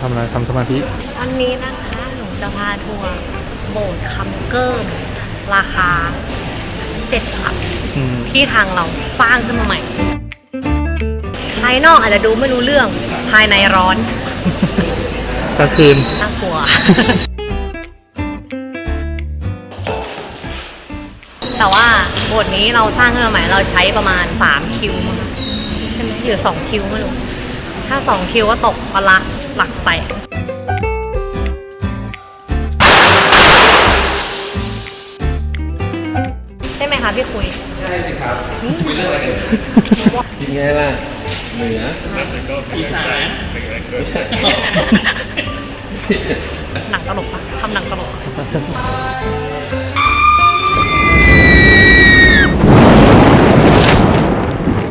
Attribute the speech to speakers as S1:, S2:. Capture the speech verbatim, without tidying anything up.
S1: ทำอะไรทำสมาธิ
S2: วันนี้นะคะหนูจะพาทัวร์โบสถ์คำเกิมราคาเจ็ดหลัก
S1: อืม
S2: ที่ทางเราสร้างขึ้นมาใหม่ ภายนอกอาจจะดูไม่รู้เรื่องภายในร้อน
S1: กลางคืน
S2: น่ากลัว แต่ว่าโบสถ์นี้เราสร้างขึ้นมาใหม่เราใช้ประมาณสามคิวมั้งใช่ไหมหรือสองคิวไม่รู้ถ้าสองคิวก็ตกประละหลักแสนใช่ไหมคะพี่คุย
S3: ใช่สิครับคุยเรื่องอะไรกันกินไงล่ะเหนืออีสาน
S2: หนังตลกปะทำหนังตลก